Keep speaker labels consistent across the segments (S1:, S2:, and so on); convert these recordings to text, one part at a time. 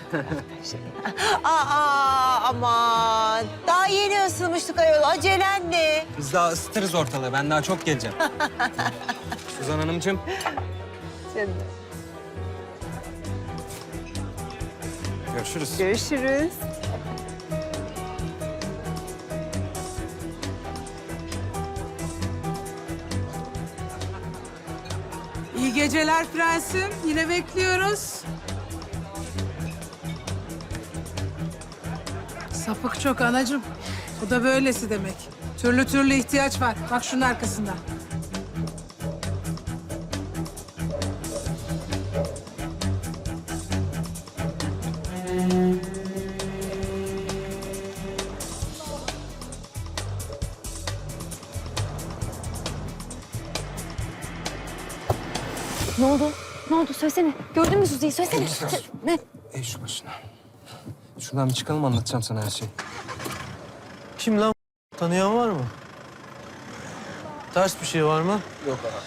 S1: Aman. Daha yeni ısınmıştık ayol. Acelen ne?
S2: Biz daha ısıtırız ortalığı. Ben daha çok geleceğim. Suzan Hanımcığım.
S1: Canım.
S2: Görüşürüz.
S1: Görüşürüz.
S3: İyi geceler prensim. Yine bekliyoruz. Sapık çok anacığım. Bu da böylesi demek. Türlü türlü ihtiyaç var. Bak şunun arkasında.
S4: Ne oldu? Ne oldu? Söylesene. Gördün mü Suzi'yi? Söylesene. Ne?
S2: Ey şu başına. Şuradan bir çıkalım, anlatacağım sana her şeyi.
S5: Kim lan? Tanıyan var mı? Ters bir şey var mı?
S2: Yok abi.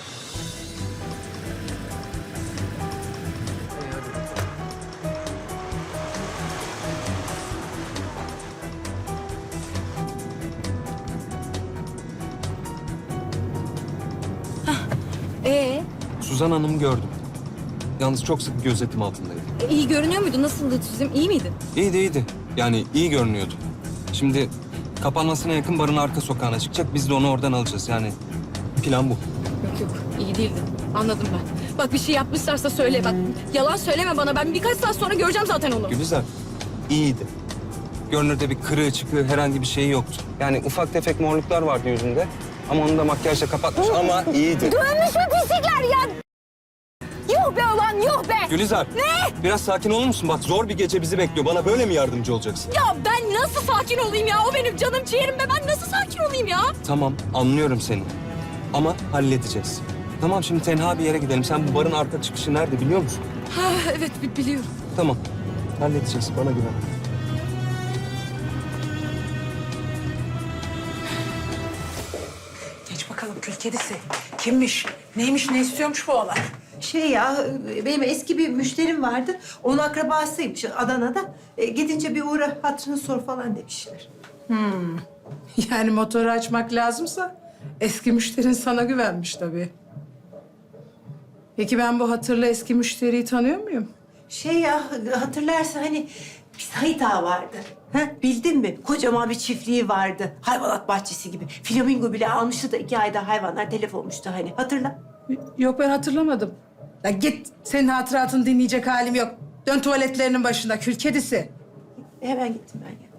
S2: Suzan Hanım'ı gördüm. Yalnız çok sık gözetim altındaydı.
S4: İyi görünüyor muydu? Nasıldı Suzi'm? İyi miydi?
S2: İyiydi, iyiydi. Yani iyi görünüyordu. Şimdi kapanmasına yakın barın arka sokağına çıkacak. Biz de onu oradan alacağız. Yani plan bu.
S4: Yok yok. İyi değildi. Anladım ben. Bak bir şey yapmışlarsa söyle. Bak yalan söyleme bana. Ben birkaç saat sonra göreceğim zaten onu.
S2: Gülizar, iyiydi. Görünürde bir kırığı çıkığı herhangi bir şeyi yoktu. Yani ufak tefek morluklar vardı yüzünde. Ama onu da makyajla kapatmış ama iyiydi.
S4: Dönmüş mü pislikler ya? Yuh be ulan yuh be!
S2: Gülizar, biraz sakin olur musun? Bak zor bir gece bizi bekliyor. Bana böyle mi yardımcı olacaksın?
S4: Ya ben nasıl sakin olayım ya? O benim canım ciğerim be. Ben nasıl sakin olayım ya?
S2: Tamam, anlıyorum seni. Ama halledeceğiz. Tamam, şimdi tenha bir yere gidelim. Sen bu barın arka çıkışı nerede biliyor musun?
S4: Ha, evet biliyorum.
S2: Tamam, halledeceğiz. Bana güven.
S3: Geç bakalım kül kedisi. Kimmiş? Neymiş? Ne istiyormuş bu olay?
S1: Benim eski bir müşterim vardı. Onun akrabasıymış Adana'da. Gidince bir uğra, hatırını sor falan demişler.
S3: Yani motoru açmak lazımsa eski müşterin sana güvenmiş tabii. Peki ben bu hatırlı eski müşteriyi tanıyor muyum?
S1: Hatırlarsan hani bir Sait Ağa vardı. Ha, bildin mi? Kocaman bir çiftliği vardı. Hayvanat bahçesi gibi. Flamingo bile almıştı da 2 ayda hayvanlar telef olmuştu hani. Hatırla.
S3: Yok ben hatırlamadım. Ya git senin hatıratını dinleyecek halim yok. Dön tuvaletlerinin başında kül kedisi.
S1: Hemen gittim ben ya.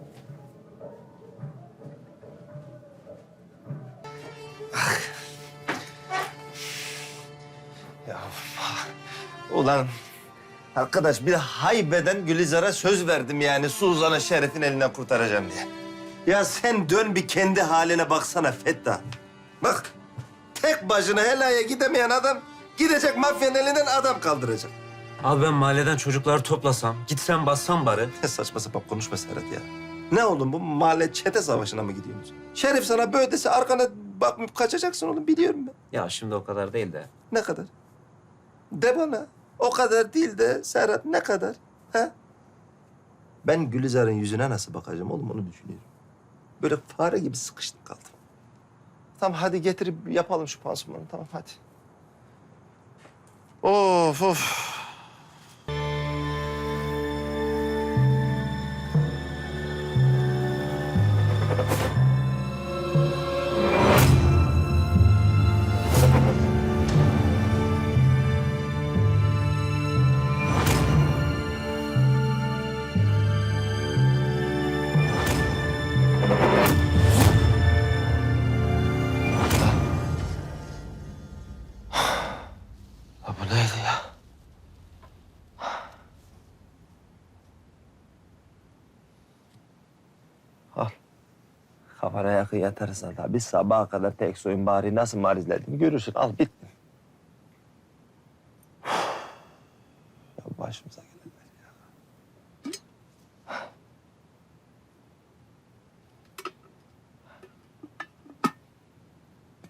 S6: Ya ulan arkadaş bir haybeden Gülizar'a söz verdim yani Suzan'ı Şeref'in elinden kurtaracağım diye. Ya sen dön bir kendi haline baksana Fettah. Bak tek başına helaya gidemeyen adam gidecek mafyanın elinden adam kaldıracak.
S5: Abi ben mahalleden çocukları toplasam, gitsem bassam bari.
S6: Ne saçma sapan konuşma Serhat ya. Ne oğlum bu mahalle çete savaşına mı gidiyorsunuz? Şerif sana böyle dese arkana bakıp kaçacaksın oğlum biliyorum ben.
S5: Ya şimdi o kadar değil de.
S6: Ne kadar? De bana. O kadar değil de Serhat ne kadar? Ha? Ben Gülizar'ın yüzüne nasıl bakacağım oğlum onu düşünüyorum. Böyle fare gibi sıkıştım kaldım. Tamam hadi getirip yapalım şu pansumanı tamam hadi. Of of. Ya bu neydi ya? Al. Kafana yakın yatarsan tabii sabaha kadar tek soyun bari nasıl marizlediğini görürsün. Al bitti. Ya başımıza gelenler ya.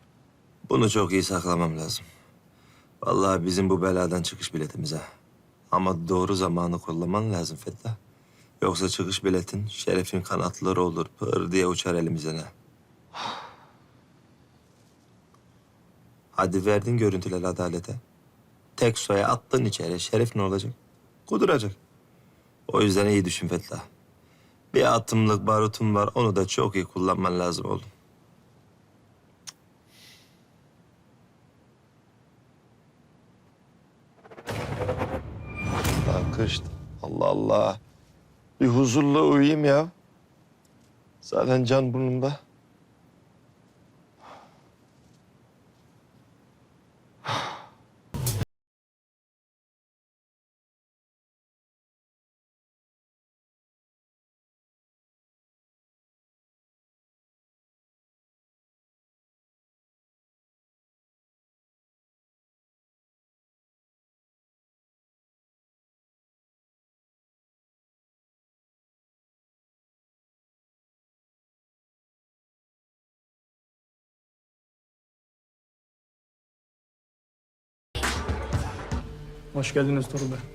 S6: Bunu çok iyi saklamam lazım. Vallahi bizim bu beladan çıkış biletimiz ha. Ama doğru zamanı kullanman lazım Fettah. Yoksa çıkış biletin Şeref'in kanatları olur, pır diye uçar elimizden ha. Hadi verdin görüntüleri adalete. Tek soya attın içeri, Şeref ne olacak? Kuduracak. O yüzden iyi düşün Fettah. Bir atımlık barutun var, onu da çok iyi kullanman lazım oğlum. Lan kıştı. Allah Allah. Bir huzurla uyuyayım ya. Zaten can burnumda.
S7: Hoş geldiniz Torun Bey.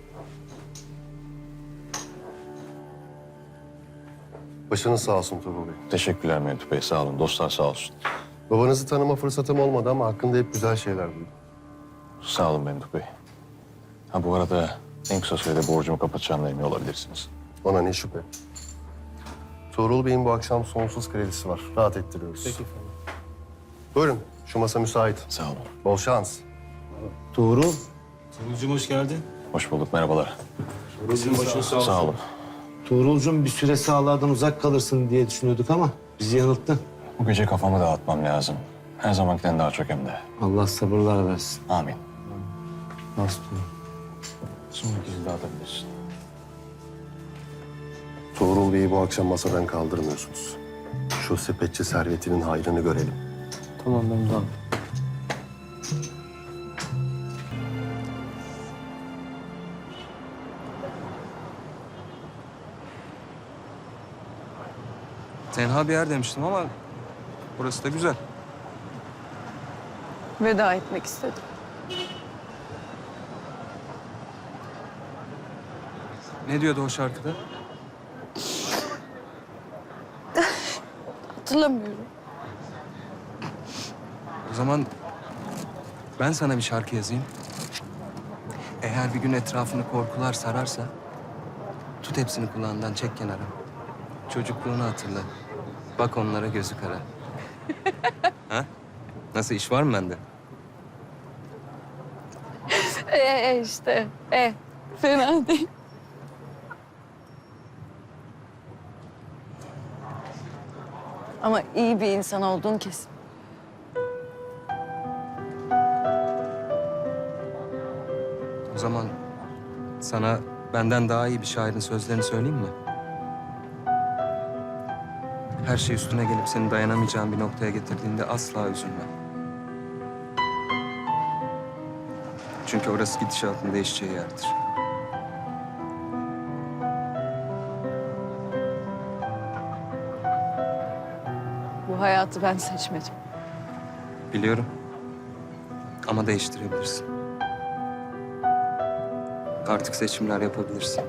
S8: Başınız sağ olsun Tuğrul Bey.
S9: Teşekkürler Mevlüt Bey. Sağ olun. Dostlar sağ olsun.
S8: Babanızı tanıma fırsatım olmadı ama hakkında hep güzel şeyler duydum.
S9: Sağ olun Mevlüt Bey. Ha bu arada en kısa sürede borcumu kapatacağımdan emin olabilirsiniz.
S8: Ona ne şüphe. Tuğrul Bey'in bu akşam sonsuz kredisi var. Rahat ettiriyoruz.
S7: Peki efendim.
S8: Buyurun, şu masa müsait.
S9: Sağ olun.
S8: Bol şans.
S7: Tuğrul.
S10: Tuğrul'cum hoş geldin.
S9: Hoş bulduk. Merhabalar.
S10: Bizim başın sağ olsun.
S9: Sağ olun.
S10: Tuğrul'cum bir süre sahalardan uzak kalırsın diye düşünüyorduk ama bizi yanılttın.
S9: Bu gece kafamı dağıtmam lazım. Her zamankinden daha çok hem de.
S10: Allah sabırlar versin.
S9: Amin.
S10: Nasıl?
S9: Sonraki izni dağıtabilirsin.
S8: Tuğrul Bey'i bu akşam masadan kaldırmıyorsunuz. Şu sepetçi servetinin hayrını görelim.
S10: Tamam ben tamam.
S2: Tenha bir yer demiştim ama burası da güzel.
S4: Veda etmek istedim.
S2: Ne diyordu o şarkıda?
S4: Hatırlamıyorum.
S2: O zaman ben sana bir şarkı yazayım. Eğer bir gün etrafını korkular sararsa tut hepsini kulağından çek kenara. Çocukluğunu hatırla. Bak onlara gözü kara. Ha? Nasıl iş var mı bende?
S4: İşte. Fena değil. Ama iyi bir insan olduğun kesin.
S2: O zaman sana benden daha iyi bir şairin sözlerini söyleyeyim mi? Her şey üstüne gelip seni dayanamayacağın bir noktaya getirdiğinde asla üzülme. Çünkü orası gidişatın değişeceği yerdir.
S4: Bu hayatı ben seçmedim.
S2: Biliyorum. Ama değiştirebilirsin. Artık seçimler yapabilirsin.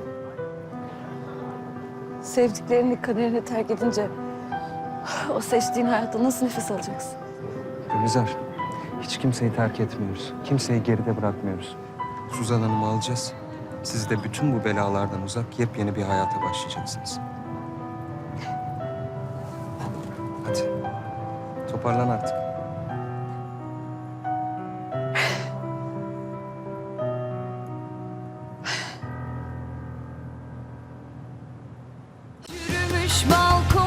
S4: Sevdiklerini kaderine terk edince o seçtiğin hayatta nasıl nefes alacaksın?
S2: Gülizar, hiç kimseyi terk etmiyoruz. Kimseyi geride bırakmıyoruz. Suzan Hanım'ı alacağız. Siz de bütün bu belalardan uzak yepyeni bir hayata başlayacaksınız. Hadi. Toparlan artık.
S11: Yürümüş balkon